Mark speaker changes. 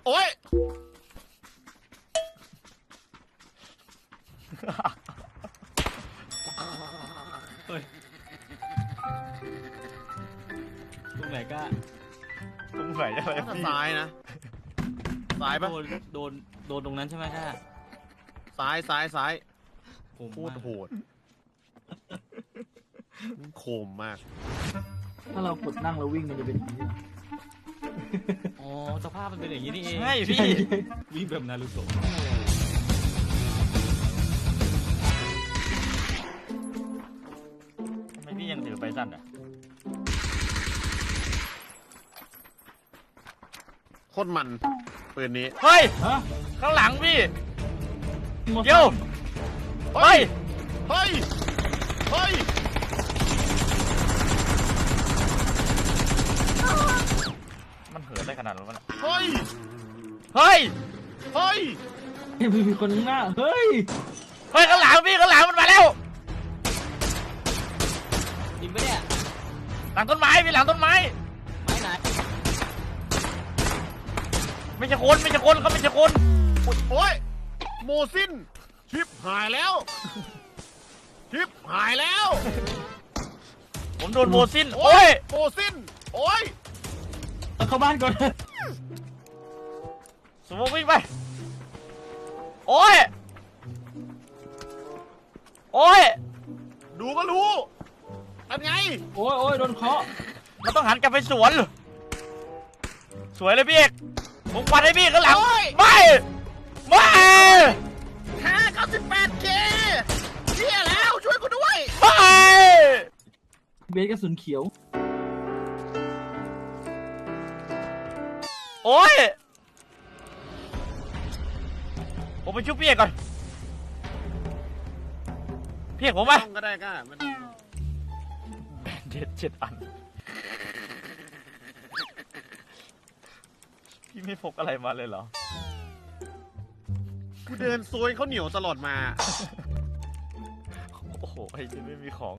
Speaker 1: โอ๊ย
Speaker 2: เฮ้ยตรงไหนก็
Speaker 3: ตรงไหนอะไร
Speaker 1: น่าจะ
Speaker 3: พี่
Speaker 1: ซ้ายนะซ้ายปะ
Speaker 2: โดนตรงนั้นใช่ไหมค่ะ
Speaker 1: ซ้าย
Speaker 2: ผม
Speaker 1: โคตรโหดโคมมาก
Speaker 4: ถ้าเรากดนั่งแล้ววิ่งมันจะเป็นอย่างนี้เหรอ
Speaker 2: อ๋อสภาพมันเป็นอย่างนี้นี่เอง
Speaker 3: ใช่พี่
Speaker 2: วิ่งแบบนารูโตะ
Speaker 3: ทำไมพี่ยังถือไปสั้นอ่ะ
Speaker 1: โคตรมันปืนนี้
Speaker 3: เฮ้ย
Speaker 4: ฮะ
Speaker 3: ข้างหลังพี่
Speaker 4: หมด
Speaker 3: เดี๋ยวเฮ้ย
Speaker 1: เฮ้ยเฮ้ย
Speaker 3: มันเหินได้ขนาดนั้นวะเนี่ย
Speaker 1: เฮ้ย
Speaker 3: เฮ้ย
Speaker 1: เฮ้ย
Speaker 4: มีคนข้างหน้าเฮ้ย
Speaker 3: เฮ้ยข้างหลังพี่ข้างหลังมันมาแล้ว
Speaker 2: จริงปะเนี่ย
Speaker 3: หลังต้นไม้พี่หลังต้นไม้
Speaker 2: ไม้ไหน
Speaker 3: ไม่ใช่คนไม่ใช่คนเขาไม่ใช่คน
Speaker 1: โอ๊ยโมซินชิปหายแล้วชิปหายแล้ว
Speaker 3: ผมโดนโมซินโอ้ย
Speaker 1: โมซินโอ๊ย
Speaker 4: เอาเข้าบ้านก่อน
Speaker 3: สมมติวิ่งไปโอ้ยโอ้ย
Speaker 1: ดูก็รู้เป็นไง
Speaker 4: โอ้ยโอ้ยโดนเคาะ
Speaker 3: มันต้องหันกลับไปสวนสวยเลยพี่เอกผมฟันให้พี่ข้างหลังไม่ไม่
Speaker 1: 98K เชี่ยแล้วช่วยกูด้วย
Speaker 3: ไม่
Speaker 4: เบสกระสุนเขียว
Speaker 3: โอ้ยผมไปชุบพี่เอกก่อนพี่เอกผมมา
Speaker 1: ต้องก็ได้ก็มัน
Speaker 3: 7 อันพี่ไม่พกอะไรมาเลยเหรอ
Speaker 1: กูเดินซวยเขาเหนียวตลอดมา
Speaker 3: โอ้โหไอ้ที่ไม่มีของ